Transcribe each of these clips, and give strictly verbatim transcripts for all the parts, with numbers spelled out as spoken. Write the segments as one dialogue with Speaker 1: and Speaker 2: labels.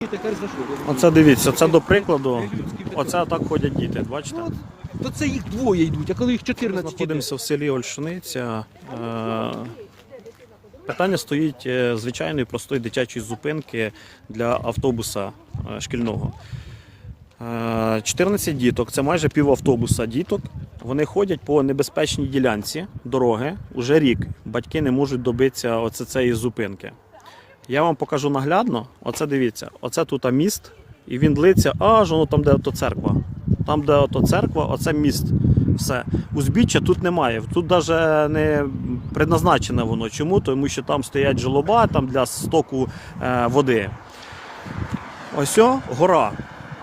Speaker 1: Оце дивіться, це до прикладу, оце так ходять діти, бачите?
Speaker 2: Ну, то це їх двоє йдуть, а коли їх чотирнадцять іде.
Speaker 1: Знаходимося в селі Ольшаниця. Е, Питання стоїть е, звичайної простої дитячої зупинки для автобуса е, шкільного. Е, чотирнадцять діток, це майже пів автобуса діток. Вони ходять по небезпечній ділянці дороги уже рік. Батьки не можуть добитися оце цієї зупинки. Я вам покажу наглядно. Оце дивіться, оце тут міст, і він длиться аж воно там, де ото церква. Там, де ото церква, оце міст. Все. Узбіччя тут немає. Тут навіть не предназначене воно. Чому? Тому що там стоять жолоба там для стоку е, води. Ось о, гора.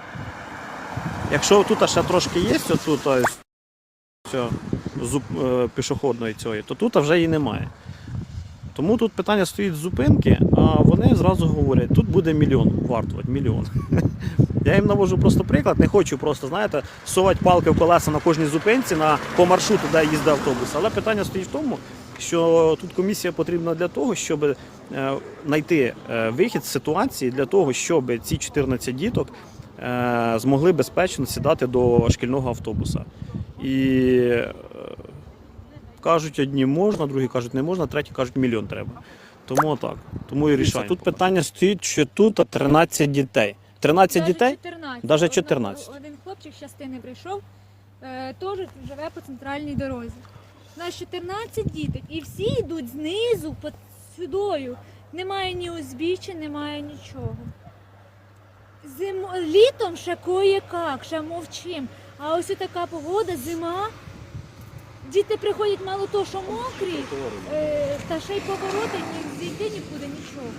Speaker 1: Якщо тут ще трошки є, отут, ось, ось, зуб, е, пішохідної цієї, то тут вже її немає. Тому тут питання стоїть зупинки, а вони зразу говорять, тут буде мільйон вартувати, мільйон. Я їм навожу просто приклад, не хочу просто, знаєте, совати палки в колеса на кожній зупинці на, по маршруту, де їздить автобус. Але питання стоїть в тому, що тут комісія потрібна для того, щоб е, знайти е, вихід з ситуації, для того, щоб ці чотирнадцять діток е, змогли безпечно сідати до шкільного автобуса. І е, кажуть, одні можна, другі кажуть не можна, треті кажуть мільйон треба. Тому так, тому і рішаємо. Тут питання стоїть, що тут тринадцять дітей. тринадцять дітей?
Speaker 3: чотирнадцять.
Speaker 1: Навіть чотирнадцять.
Speaker 3: Один хлопчик з частини прийшов, е, теж живе по центральній дорозі. У нас чотирнадцять діток і всі йдуть знизу, під сюдою. Немає ні узбіччя, немає нічого. Зим... Літом ще кое-як, ще мовчим. А ось така погода, зима. Діти приходять мало того, що мокрі, е, та ще й повороти, ні зійти нікуди, нічого.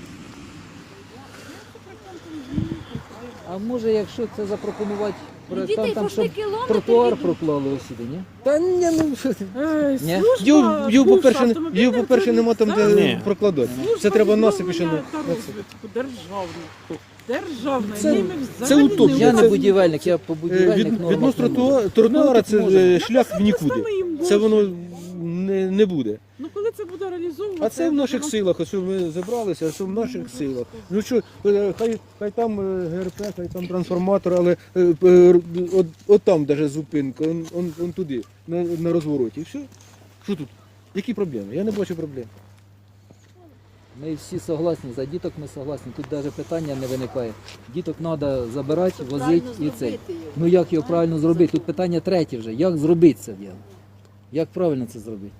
Speaker 4: А може, якщо це запропонувати
Speaker 3: Діти
Speaker 4: проєктантам, там,
Speaker 3: пішли
Speaker 4: щоб
Speaker 3: кілометри
Speaker 4: тротуар
Speaker 3: від-
Speaker 4: проклали ось сюди, ні?
Speaker 2: Та ні, ну що ти.
Speaker 4: Ні?
Speaker 2: Його, його, по-перше, його, по-перше, нема там де
Speaker 1: Ні.
Speaker 2: прокладати. Це треба насипі ще на...
Speaker 5: та розвитку державного. Державне.
Speaker 2: Це-
Speaker 5: Ними
Speaker 2: це
Speaker 5: взагалі
Speaker 2: утопія.
Speaker 4: Я
Speaker 2: Це-
Speaker 4: не будівельник, я по
Speaker 2: Е,
Speaker 4: будівельник
Speaker 2: Від,
Speaker 4: нормах
Speaker 2: відносно
Speaker 4: не можу.
Speaker 2: тротуара, тротуара
Speaker 4: Ну,
Speaker 2: це
Speaker 4: тут може.
Speaker 2: е, шлях в нікуди.
Speaker 5: саме їм
Speaker 2: Це
Speaker 5: можна.
Speaker 2: воно не, не буде.
Speaker 5: Ну коли це буде реалізовуватися?
Speaker 2: А це в наших силах, ось ми зібралися, а це в наших силах. Ну що, е, хай, хай там е, ГРП, хай там трансформатор, але е, е, от, от там навіть зупинка, он, он, он туди, на, на розвороті. І все. Що тут? Які проблеми? Я не бачу проблем.
Speaker 4: Ми всі согласні, за діток ми согласні, тут навіть питання не виникає. Діток треба забирати, возити і цей. Ну як його правильно зробити? Тут питання третє вже, як зробити це діло? Як правильно це зробити?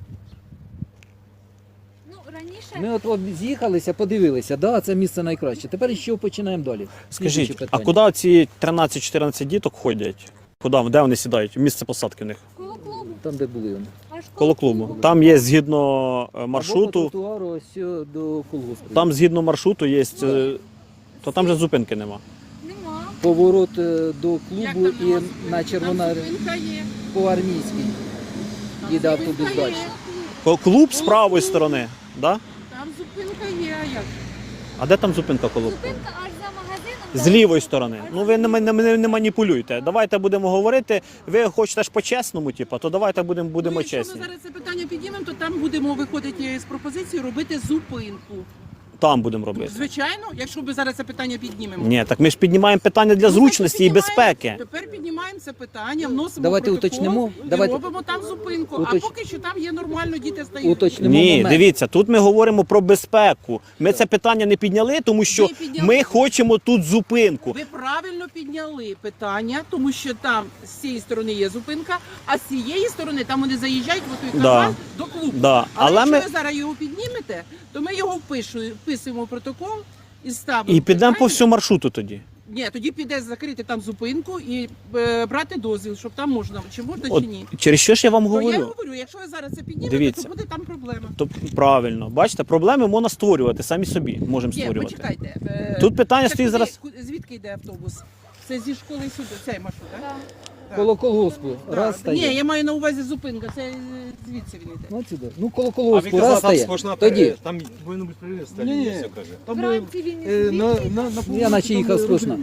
Speaker 3: Ну, раніше...
Speaker 4: Ми от, от з'їхалися, подивилися, да, це місце найкраще. Тепер з чого починаємо далі? Слідуюче
Speaker 1: Скажіть, а
Speaker 4: питання.
Speaker 1: куди ці тринадцять-чотирнадцять діток ходять? Куди, де вони сідають? Місце посадки в них?
Speaker 3: Коло клубу.
Speaker 4: Там, де були вони.
Speaker 3: Аж
Speaker 1: Коло клубу. Там є згідно е,
Speaker 4: Або по
Speaker 1: маршруту,
Speaker 4: тротуару ось о, до колгоспу.
Speaker 1: там згідно маршруту є, е, то там же зупинки нема.
Speaker 3: Нема.
Speaker 4: Поворот е, до
Speaker 5: Як
Speaker 4: клубу
Speaker 5: там
Speaker 4: і
Speaker 5: нема?
Speaker 4: на Червона
Speaker 5: Там зупинка є.
Speaker 4: по армійській. Їде автобус
Speaker 5: Зупинка
Speaker 4: далі.
Speaker 5: є.
Speaker 1: Ко- Клуб з правої сторони, да?
Speaker 5: Там зупинка є, а як?
Speaker 1: А де там зупинка коло клубу?
Speaker 3: Зупинка аж за магазином.
Speaker 1: З
Speaker 3: там-
Speaker 1: лівої сторони. Ну ви не, не, не, не маніпулюйте. Давайте будемо говорити. Ви хочете ж по-чесному, типу, то давайте будемо, будемо
Speaker 5: Ну, якщо
Speaker 1: чесні.
Speaker 5: ми зараз це питання підіймемо, то там будемо виходити з пропозицією робити зупинку.
Speaker 1: Там будемо робити.
Speaker 5: Звичайно, якщо ми зараз це питання піднімемо.
Speaker 1: Ні, так ми ж піднімаємо питання для
Speaker 5: Ну,
Speaker 1: зручності і
Speaker 5: піднімаємо-
Speaker 1: безпеки.
Speaker 5: Тепер піднімаємо це питання, вносимо
Speaker 4: Давайте
Speaker 5: протокол
Speaker 4: уточнимо.
Speaker 5: і
Speaker 4: Давайте-
Speaker 5: робимо там зупинку.
Speaker 4: Уточ-
Speaker 5: А поки що там є нормально, діти стають.
Speaker 4: Уточнимо
Speaker 1: Ні,
Speaker 4: момент.
Speaker 1: дивіться, тут ми говоримо про безпеку. Ми це питання не підняли, тому що
Speaker 5: Ви підняли.
Speaker 1: ми хочемо тут зупинку.
Speaker 5: Ви правильно підняли питання, тому що там з цієї сторони є зупинка, а з цієї сторони там вони заїжджають в той
Speaker 1: Да.
Speaker 5: канал до клубу.
Speaker 1: Да.
Speaker 5: Але,
Speaker 1: Але
Speaker 5: якщо
Speaker 1: ми
Speaker 5: ви зараз його піднімете, то ми його впишу- вписуємо в протокол і ставимо.
Speaker 1: і підемо по
Speaker 5: питання.
Speaker 1: всьому маршруту тоді.
Speaker 5: Ні, тоді піде закрити там зупинку і е, брати дозвіл, щоб там можна, чи можна,
Speaker 1: От,
Speaker 5: чи ні.
Speaker 1: через що ж я вам
Speaker 5: То я
Speaker 1: говорю?
Speaker 5: говорю, якщо ви зараз це піднімете,
Speaker 1: Дивіться.
Speaker 5: то буде там проблема.
Speaker 1: То правильно, бачите, проблеми можна створювати самі собі. Можемо
Speaker 5: Ні,
Speaker 1: створювати.
Speaker 5: почекайте. е,
Speaker 1: Тут питання
Speaker 5: це
Speaker 1: стоїть
Speaker 5: куди-
Speaker 1: зараз.
Speaker 5: ку- Звідки йде автобус? Це зі школи сюди, цей маршрут, так?
Speaker 3: Да.
Speaker 4: Коло колгоспу.
Speaker 5: Да.
Speaker 4: Раз
Speaker 5: Ні,
Speaker 4: стає.
Speaker 5: я маю на увазі зупинка, це е, звідси він йде.
Speaker 4: Ну, сюди. Ну, коло
Speaker 6: А
Speaker 4: колгоспу.
Speaker 6: він
Speaker 4: Раз
Speaker 6: казав, там
Speaker 4: стає.
Speaker 6: сплошна
Speaker 4: Тоді.
Speaker 6: пере- там повинен бути перерив,
Speaker 2: Ні, ні.
Speaker 6: все каже.
Speaker 2: Там е,
Speaker 3: Вранці він
Speaker 2: е,
Speaker 3: із
Speaker 2: на,
Speaker 3: звідки?
Speaker 2: на, на
Speaker 4: Я наче їхав
Speaker 2: там
Speaker 4: сплошна.
Speaker 2: розрив іде.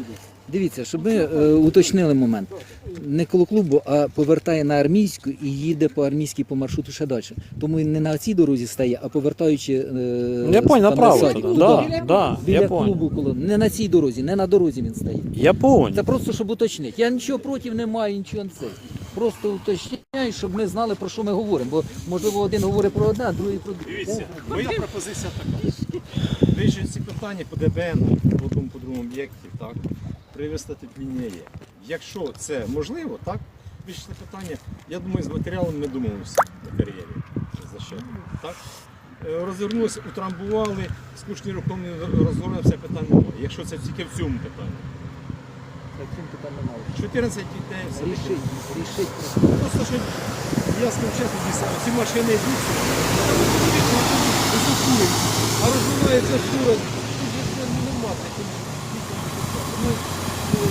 Speaker 4: Дивіться, щоб ми е, уточнили момент. Не коло клубу, а повертає на армійську і їде по армійській по маршруту ще далі. Тому він не на цій дорозі стає, а повертаючи е,
Speaker 1: Я понял,
Speaker 4: там,
Speaker 1: направо.
Speaker 4: на
Speaker 1: туди.
Speaker 4: садик.
Speaker 1: Да,
Speaker 4: Туди.
Speaker 1: да,
Speaker 4: Біля
Speaker 1: я понял.
Speaker 4: клубу, коло не на цій дорозі, не на дорозі він стає.
Speaker 1: Я понял.
Speaker 4: Це просто щоб уточнити. Я нічого проти не маю, нічого не це. Просто уточняю, щоб ми знали, про що ми говоримо. Бо можливо один говорить про одне, а другий про друге.
Speaker 6: Дивіться, моя пропозиція така. Вирішують ці питання по ДБН, по одному, по другому об'єкті, так, привести тут лінія є. Якщо це можливо, так, вирішити питання, я думаю, з матеріалом ми домовимося на кар'єрі. За що, так? Е, Розвернулися, утрамбували, скучні рухомі розгорнули, все питання немає. Якщо це тільки в цьому питанні.
Speaker 4: Таким питань немає.
Speaker 6: чотирнадцять дітей, все таке.
Speaker 4: Рішить, рішить.
Speaker 6: Просто що я скажу чесно, дійсно, ці машини йдуть, високують, а розвивається фура, тут же ну, нема таких. Ну, ну,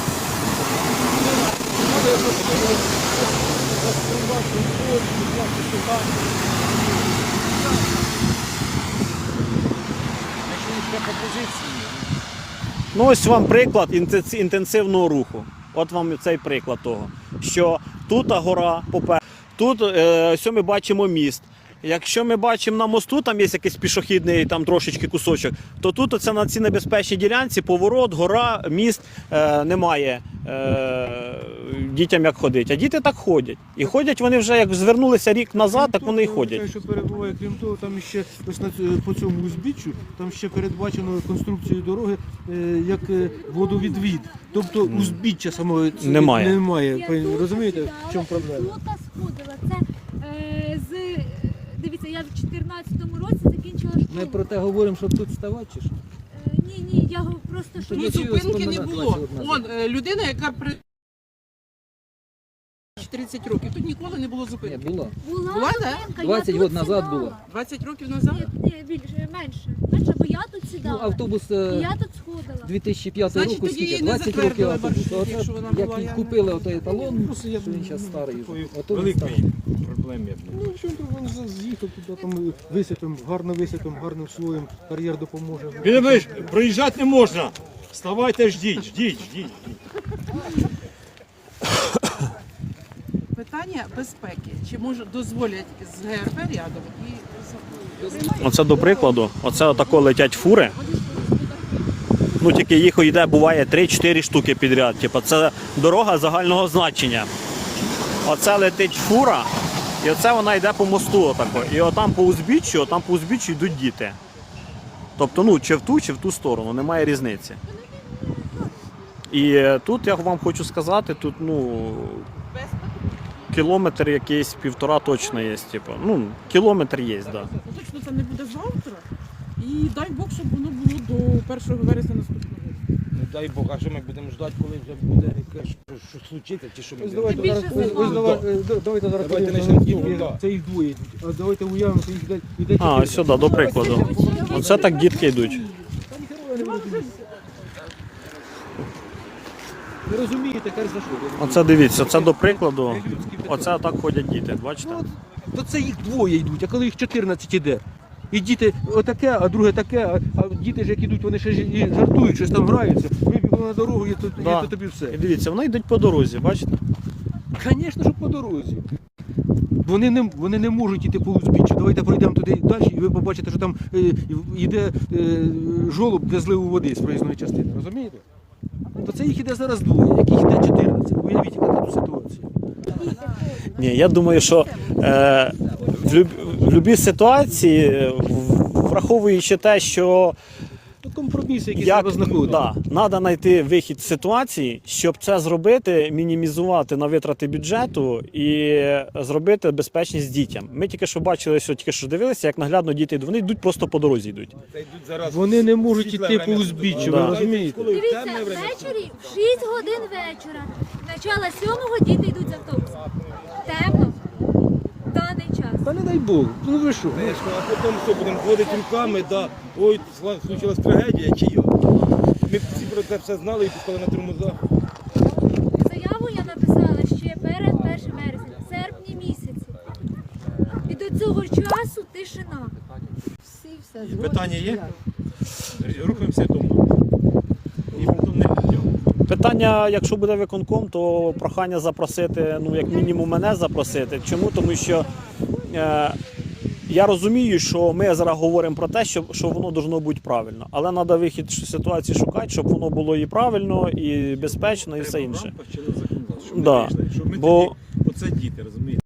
Speaker 6: треба якось розкривати фото, взяти сюди. Якщо є така пропозиція,
Speaker 1: Ну ось вам приклад інтенс- інтенсивного руху. От вам цей приклад того, що тут гора, попер, тут е, ось ми бачимо міст. Якщо ми бачимо на мосту, там є якийсь пішохідний там трошечки кусочок, то тут оце на цій небезпечній ділянці поворот, гора, міст, е, немає е, дітям як ходити. А діти так ходять. І ходять вони вже як звернулися рік назад, так вони і ходять.
Speaker 2: Що перебуває, крім того, там ще ось на ць- по цьому узбіччю, там ще передбачено конструкцією дороги е, як е, водовідвід. Тобто узбіччя самого ц-
Speaker 1: Немає.
Speaker 2: немає.
Speaker 3: Я
Speaker 2: Пані,
Speaker 3: тут
Speaker 2: розумієте,
Speaker 3: сідала,
Speaker 2: в чому проблема?
Speaker 3: Тут сходила. Це е, з дивіться, я в чотирнадцятому році закінчила школу.
Speaker 4: Ми про те говоримо, щоб тут ставати чи що?
Speaker 3: Е, ні, ні, я го- просто що
Speaker 4: Тоді
Speaker 5: Тут
Speaker 4: ці
Speaker 5: зупинки не
Speaker 4: ось
Speaker 5: було.
Speaker 4: двадцять одна
Speaker 5: Он е, людина, яка при тридцять років. Тут ніколи не було
Speaker 4: Не
Speaker 5: зупинки.
Speaker 4: було.
Speaker 3: була
Speaker 5: Була, да?
Speaker 3: зупинка, я
Speaker 4: двадцять
Speaker 3: тут
Speaker 4: років назад
Speaker 3: сідала.
Speaker 4: було.
Speaker 5: двадцять років назад.
Speaker 3: Ні, ні, більше, менше. Менше, бо я тут
Speaker 4: Ну,
Speaker 3: сідала.
Speaker 4: автобус
Speaker 3: І
Speaker 4: е,
Speaker 3: я тут сходила.
Speaker 4: дві тисячі п'ятого
Speaker 5: Значить,
Speaker 4: року,
Speaker 5: тоді її
Speaker 4: скільки?
Speaker 5: не
Speaker 4: двадцять років
Speaker 5: затвердили
Speaker 4: автобус.
Speaker 5: маршрут,
Speaker 4: Оце,
Speaker 5: якщо вона
Speaker 4: як
Speaker 5: була,
Speaker 4: і
Speaker 5: я
Speaker 4: купили отой еталон,
Speaker 6: просто я
Speaker 4: що він зараз старий вже.
Speaker 6: такої
Speaker 4: Ото він
Speaker 6: великої
Speaker 4: старий.
Speaker 6: проблеми. я б не
Speaker 2: Ну, що там він з'їхав туди, там висипем, гарно висипем, гарним слоєм, кар'єр допоможе.
Speaker 6: Підемеш, проїжджати не можна. Вставайте, ждіть, ждіть, ждіть.
Speaker 5: Питання безпеки. Чи може дозволять з ГРП рядом і з-
Speaker 1: Оце до прикладу, оце отако летять фури. Ну тільки їх йде, буває три-чотири штуки підряд. Типу, це дорога загального значення. Оце летить фура, і оце вона йде по мосту отако. І отам по узбіччю, отам по узбіччю йдуть діти. Тобто, ну, чи в ту, чи в ту сторону, немає різниці. І е, тут я вам хочу сказати, тут ну, кілометр якийсь, півтора точно є. Типу. Ну, кілометр є, так. Да.
Speaker 5: точно це не буде завтра. І дай Бог, щоб воно було до першого вересня наступного року.
Speaker 7: Не дай Бог, а що ми будемо ждати, коли вже буде якесь, що, що случиться, чи що ми
Speaker 2: Ось
Speaker 7: будемо?
Speaker 2: давайте,
Speaker 3: більше
Speaker 2: зараз, ось, ось, давай- е, да- давайте зараз
Speaker 7: Давайте
Speaker 2: подивимося,
Speaker 7: почнемо з
Speaker 2: скільки
Speaker 7: того, да.
Speaker 2: це їх двоє йдуть. А давайте уявимо, що їх йде, йде
Speaker 1: А,
Speaker 2: чотири.
Speaker 1: ось сюди, до прикладу. Оце так дітки йдуть.
Speaker 2: Ви розумієте, каже, за що?
Speaker 1: Оце дивіться, це до прикладу. Оце так ходять діти, бачите?
Speaker 2: Ну, от, то це їх двоє йдуть, а коли їх чотирнадцять іде. І діти отаке, а друге таке, а, а діти ж як ідуть, вони ще ж і жартують, щось там граються. Вибігли на дорогу, і то,
Speaker 1: Да.
Speaker 2: і то тобі все.
Speaker 1: І дивіться, вони йдуть по дорозі, бачите?
Speaker 2: Звісно, що по дорозі. Вони не, вони не можуть йти по узбіччю. Давайте пройдемо туди далі, і ви побачите, що там е, йде е, жолоб для зливу води з проїзної частини. Розумієте? То це їх іде зараз двоє, яких йде чотирнадцять. Уявіть, яка тут ситуація.
Speaker 1: Ні, я думаю, що е, в, люб, в будь-якій ситуації, е, в- враховуючи те, що
Speaker 2: Тут компроміси, які
Speaker 1: як,
Speaker 2: треба знаходити.
Speaker 1: да, треба знайти вихід з ситуації, щоб це зробити, мінімізувати на витрати бюджету і зробити безпечність дітям. Ми тільки що бачили, що тільки що дивилися, як наглядно діти йдуть. Вони йдуть просто по дорозі йдуть.
Speaker 7: Це йдуть зараз.
Speaker 2: Вони не можуть
Speaker 7: світле
Speaker 2: йти по
Speaker 7: время
Speaker 2: узбіччю,
Speaker 1: Да.
Speaker 2: ви розумієте?
Speaker 7: Коли
Speaker 3: Дивіться,
Speaker 7: темне время.
Speaker 3: ввечері в шість годин вечора, начала сьомого діти йдуть з автобусом. Темно. В даний час.
Speaker 2: Та не дай Бог, ну ви що?
Speaker 7: Конечно, а потім що, будемо ходити руками, да, ой, сла- случилась трагедія, чи йо. Ми всі про це все знали і пускали на тормоза.
Speaker 3: Заяву я написала ще перед першим вересня, в серпні місяці. І до цього часу тишина.
Speaker 6: Питання є? Рухаємося тому. І потім не йдемо.
Speaker 1: питання, якщо буде виконком, то прохання запросити, ну як мінімум мене запросити. Чому? Тому що е, я розумію, що ми зараз говоримо про те, що, що воно должно бути правильно. Але треба вихід з ситуації шукати, щоб воно було і правильно, і безпечно, і все
Speaker 6: Треба в
Speaker 1: інше.
Speaker 6: рамках чинного законодавства, щоб ми
Speaker 1: Да.
Speaker 6: вийшли, щоб ми
Speaker 1: Бо-
Speaker 6: тоді, оце діти, розумієте?